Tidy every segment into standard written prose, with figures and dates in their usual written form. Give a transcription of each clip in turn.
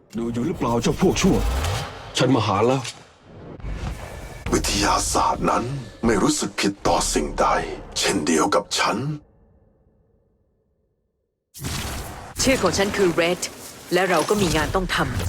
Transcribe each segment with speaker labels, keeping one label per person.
Speaker 1: ดูอยู่หรือเปล่าเจ้าพวกชั่วฉันมาหาแล้ว
Speaker 2: วิทยาศาสตร์นั้นไม่รู้สึกผิดต่อสิ่งใดเช่นเดียวกับฉัน
Speaker 3: ชื่อของฉันคือเรดและเราก็มีงานต้องทำ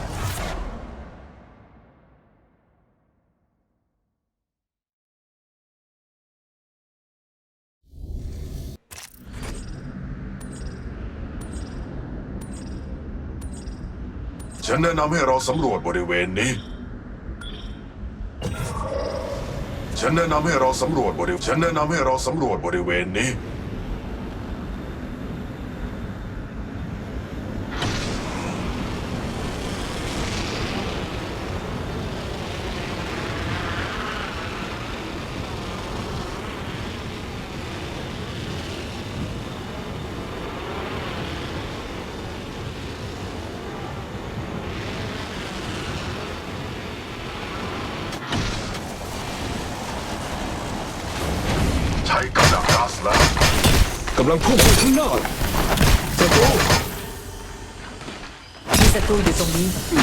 Speaker 2: ฉันแนะนำให้เราสำรวจบริเวณนี้ฉันแนะนำให้เราสำรวจบริเวณนี้ใช้กำลังก๊าซแล้ว
Speaker 1: กำลังพุ่งไปข้างหน้าศัตรู
Speaker 3: มีศัตรูอยู่ตรงนี้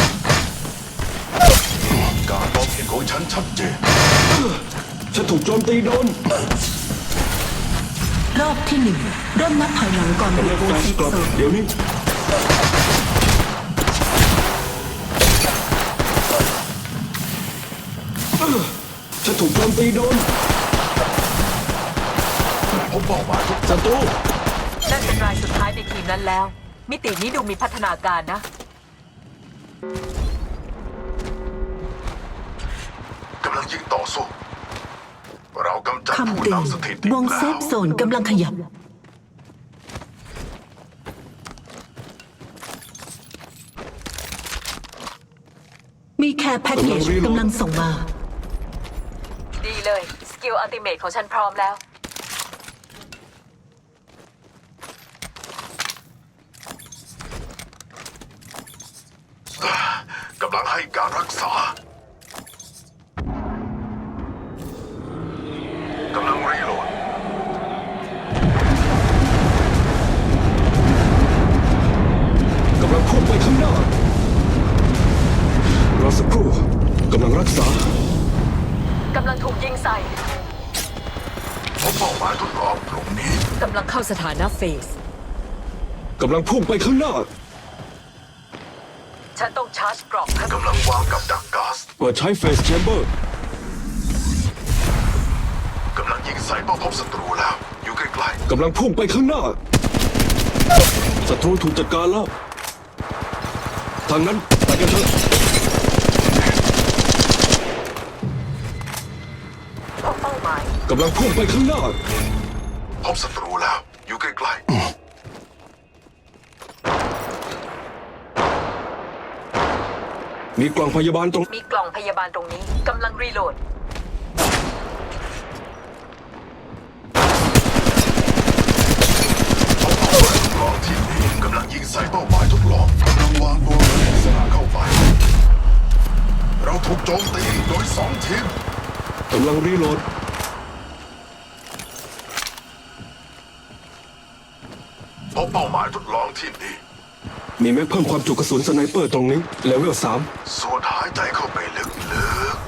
Speaker 2: การมองเห็นของฉันชัดเจน
Speaker 1: ฉันถูกโจมตีโดน
Speaker 4: รอบที่หนึ่งเริ่มนับถอยหลังก่อน
Speaker 1: กำลังแฟลชกลับเดี๋ยวนี้ฉันถูกโจมตีโดน
Speaker 2: ผมบอกมาทุก
Speaker 1: ศัตรู
Speaker 3: นั่นเป็นรายสุดท้ายในทีมนั้นแล้วมิตินี้ดูมีพัฒนาการนะ
Speaker 2: กำลังยิงต่อสู้เรากำจัดผู้
Speaker 4: คำเตือน
Speaker 2: นำสถิติ
Speaker 4: วงเซฟโซนกำลังขยับมีแคร์แพ็กเกจกำลังส่งมา
Speaker 3: ดีเลยสกิลอัลติเมทของฉันพร้อมแล้ว
Speaker 2: กำลังให้การรักษา กำลังรีโหลด
Speaker 1: กำลังพุ่งไปข้างหน้ารอสักครู่กำลังรักษาก
Speaker 3: ำลังถูกยิงใส่
Speaker 2: ผมเป้าหมายทดลองตรงนี้
Speaker 3: กำลังเข้าสถานะเฟส
Speaker 1: กำลังพุ่งไปข้างหน้า
Speaker 3: ฉันต้องชาร์จกรอบ
Speaker 2: กำลังวางกับดักก๊าซ
Speaker 1: เปิดใช้เฟสแชมเบอร์
Speaker 2: กำลังยิงใส่เป้าพบศัตรูแล้วอยู่ใกล้
Speaker 1: ๆกำลังพุ่งไปข้างหน้าศัตรูถูกจัดการแล้วทางนั้นไปกันเถอะ
Speaker 3: เป้าหมาย
Speaker 1: กำลังพุ่งไปข้างหน้า
Speaker 2: พบศัตรูแล้วอยู่ใกล้
Speaker 1: มีกล่องพยาบาลตรง
Speaker 3: มีกล่องพยาบาลตรงนี้กำลังรีโหลด
Speaker 2: ลองทีมนี้กำลังยิงใส่เป้าหมายทดลองกำลังวางตัวในลักษณะเข้าไปเราถูกโจมตีโดย2 ทีม
Speaker 1: กำลังรีโหลด
Speaker 2: พบเป้าหมายทดลองทีมนี้
Speaker 1: มีแม็กเพิ่มความจุกระสุนสไนเปอร์ตรงนี้เลเวล3
Speaker 2: สูดหายใจเข้าไปลึก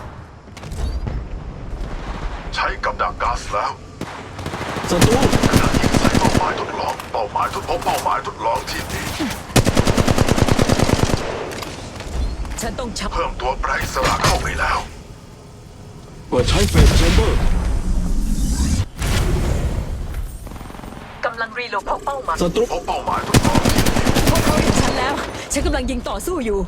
Speaker 2: ๆใช้กับดักก๊าซแล้ว
Speaker 1: ศัตรู
Speaker 2: กำลังยิงใส่เป้าหมายทดลองเป้าหมายทดลองทีมนี้
Speaker 3: ฉันต้องชับ
Speaker 2: เพิ่มตัวแปรอิสระเข้าไปแล้ว
Speaker 1: เปิดใช้เฟสแชมเบอร์
Speaker 3: กำลังรีโหลดพบเป้าหมาย
Speaker 1: ศัตรู
Speaker 2: พบเป้าหมายทดลองทีมนี้
Speaker 3: พวกเขาเห็นฉันแล้วฉันกำลังยิงต่อสู้อยู่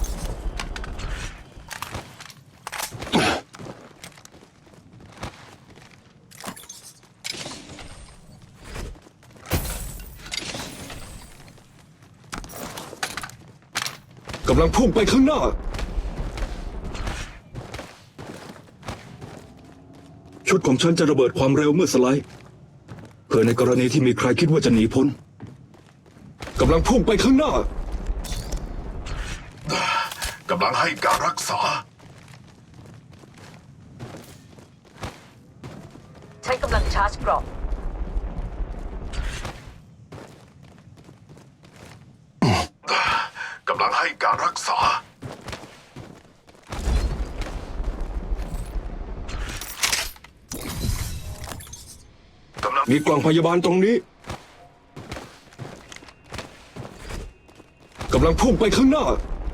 Speaker 1: กำลังพุ่งไปข้างหน้าชุดของฉันจะระเบิดความเร็วเมื่อสไลด์เพื่อในกรณีที่มีใครคิดว่าจะหนีพ้นกำลังพุ่งไปข้างหน้าก
Speaker 2: ำลังให้การรักษา
Speaker 3: ใช้กำลังชาร์จกรอบ
Speaker 2: กำลังให้ให้การรักษากำลัง
Speaker 1: มีกล่องพยาบาลตรงนี้กำลังพุ่งไปข้างหน้า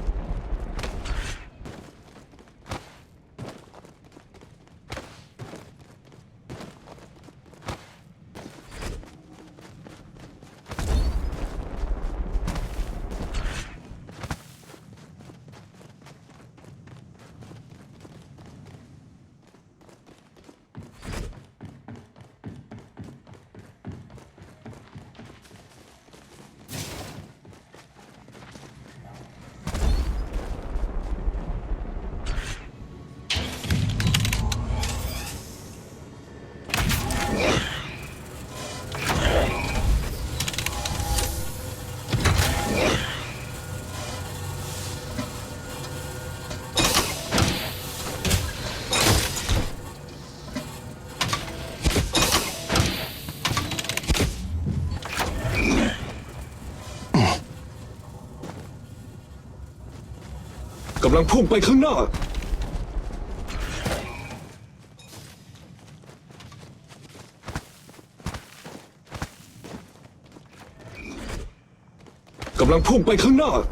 Speaker 1: กำลังพุ่งไปข้างหน้ากำลังพุ่งไปข้างหน้า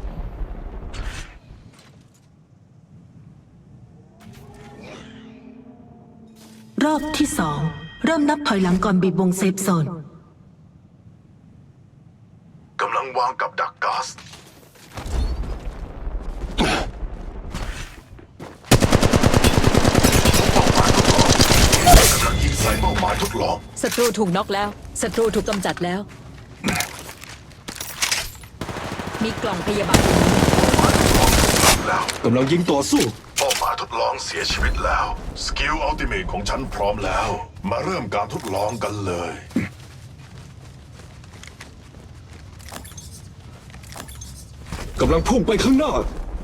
Speaker 4: รอบที่สองเริ่มนับถอยหลังก่อนบีบวงเซฟโซน
Speaker 2: กำลังวางกับดักก๊าซกำลังยิงใส่เป้าหมายทดลอง
Speaker 5: ศัตรูถูกน็อกแล้ว ศัตรูถูกกำจัดแล้ว มีกล่องพยาบาล
Speaker 2: แล้ว
Speaker 1: กำลังยิงต่อสู้
Speaker 2: เป้าหมายทดลองเสียชีวิตแล้ว สกิลอัลติเมทของฉันพร้อมแล้ว มาเริ่มการทดลองกันเลย
Speaker 1: กำลังพุ่งไปข้างหน้า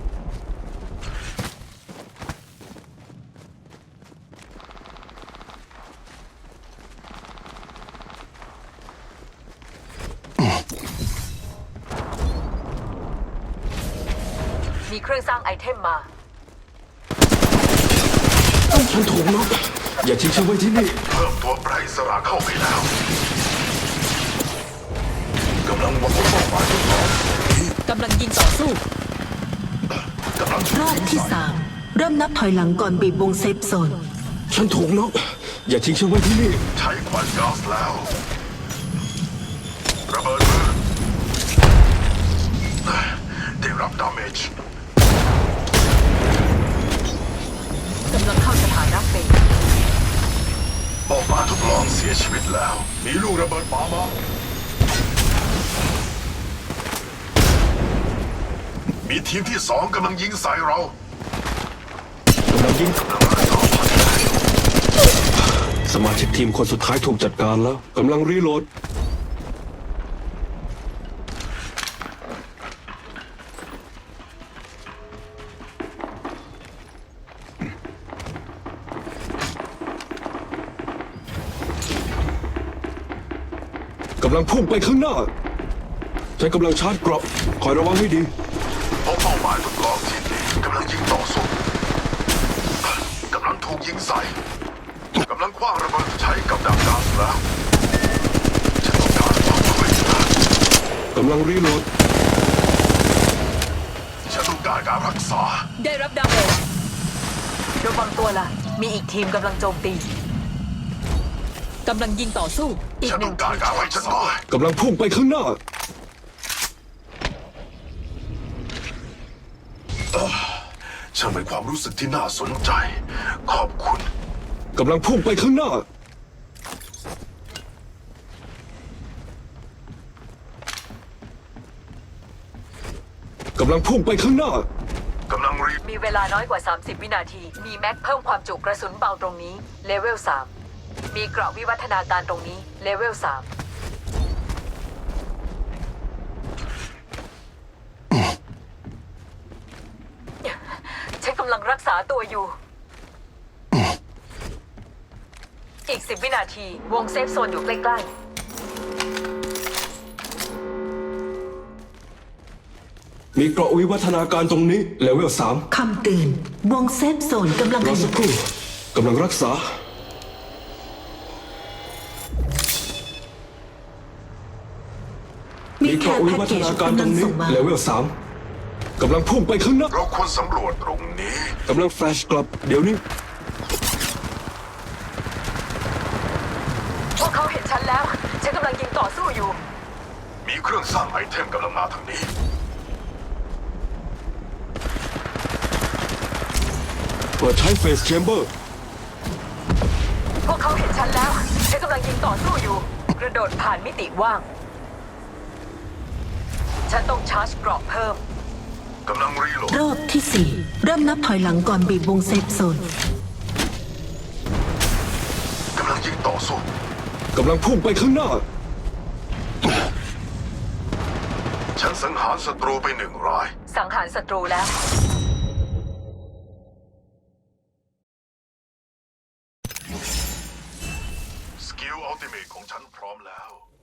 Speaker 3: มีเครื่องสร้างไอเทมมา
Speaker 1: ฉันถูกน็อกอย่าทิ้งฉันไว้ที่นี่
Speaker 2: เพิ่มตัวแปรอิสระเข้าไปแล้ว กำลังวางเป้าหมายทดลอง
Speaker 5: กำลังยิงต่อสู้
Speaker 2: กำลัง
Speaker 4: รอบที่สามเริ่มนับถอยหลังก่อนบีบวงเซฟโซน
Speaker 1: ฉันถูกน็อกอย่าทิ้งฉันไว้ที่นี่
Speaker 2: ใช้ควันก๊าซแล้ว ระเบิดมือได้รับดาเมจ
Speaker 3: กำลังเข้าสถานะเฟส
Speaker 2: เป้าหมายทดลองเสียชีวิตแล้ว มีลูกระเบิดปามา มีทีมที่สองกำลังยิงใส่เรา
Speaker 1: กำลังยิง สมาชิกทีมคนสุดท้ายถูกจัดการแล้ว กำลังรีโหลด กำลังพุ่งไปข้างหน้า ฉันกำลังชาร์จเกราะคอยระวังให้ดี
Speaker 2: พบเป้าหมายทดลองที่นี่กำลังยิงต่อสู้กำลังถูกยิงใส่กำลังคว้างระเบิดใช้กับดักก๊าซแล้วฉันต้องการความช่วยเหลือก
Speaker 1: ำลังรีโหลด
Speaker 2: ฉันต้องการการรักษา
Speaker 5: ได้รับดาเมจ
Speaker 3: ระวังตัวล่ะ มีอีกทีมกำลังโจมตี
Speaker 5: กำลังยิงต่อสู้
Speaker 3: อีก
Speaker 2: ฉัน
Speaker 3: ห
Speaker 2: ต้
Speaker 3: นึ่
Speaker 2: อง งการการไว้ฉันหน่อย
Speaker 1: กำลังพุ่งไปข้างหน้า
Speaker 2: ช่างเป็นความรู้สึกที่น่าสนใจ ขอบคุณ
Speaker 1: กำลังพุ่งไปข้างหน้า กำลังพุ่งไปข้างหน้า
Speaker 2: กำลังรี
Speaker 3: มีเวลาน้อยกว่า 30 วินาที มีแม็กเพิ่มความจุกระสุนเบาตรงนี้ เลเวล 3 มีเกราะวิวัฒนาการตรงนี้ เลเวล 3 ฉันกำลังรักษาตัวอยู่ อีก 10 วินาที วงเซฟโซนอยู่ใกล้ๆ
Speaker 1: มีเกราะวิวัฒนาการตรงนี้เลเวล3
Speaker 4: คำเตือนวงเซฟโซนกำลัง
Speaker 1: ร
Speaker 4: ข
Speaker 1: อสั
Speaker 4: ยาก ย
Speaker 1: ครู่กำลังรักษา
Speaker 4: มี
Speaker 1: มี
Speaker 4: แค
Speaker 1: เกราะ
Speaker 4: ร์
Speaker 1: วิ
Speaker 4: แพ็ก
Speaker 1: วั
Speaker 4: เก
Speaker 1: ฒ
Speaker 4: จ
Speaker 1: นาการ
Speaker 4: กำ
Speaker 1: ต
Speaker 4: ลั
Speaker 1: รง งนี้
Speaker 4: ส่งมา
Speaker 1: เลเวล3กำลังพุ่งไปข้างหน้า
Speaker 2: เราควรสำรวจตรงนี้
Speaker 1: กำลังแฟลชกลับเดี๋ยวนี้
Speaker 3: พวกเขาเห็นฉันแล้ว ฉันกำลังยิงต่อสู้อยู่
Speaker 2: มีเครื่องสร้างไอเทมกำลังมาทางนี้
Speaker 1: เปิดใช้เฟสแชมเบอร์
Speaker 3: พวกเขาเห็นฉันแล้ว ฉันกำลังยิงต่อสู้อยู่ กระโดดผ่านมิติว่าง ฉันต้องชาร์จเกราะเพิ่ม
Speaker 2: กำลังรีโหลด
Speaker 4: รอบที่ 4 เริ่มนับถอยหลังก่อนบีบวงเซฟโซน
Speaker 2: กำลังยิงต่อสู้
Speaker 1: กำลังพุ่งไปข้างหน้า
Speaker 2: ฉันสังหารศัตรูไป1 ราย
Speaker 3: สังหารศัตรูแล้ว
Speaker 2: สกิลอัลติเมทของฉันพร้อมแล้ว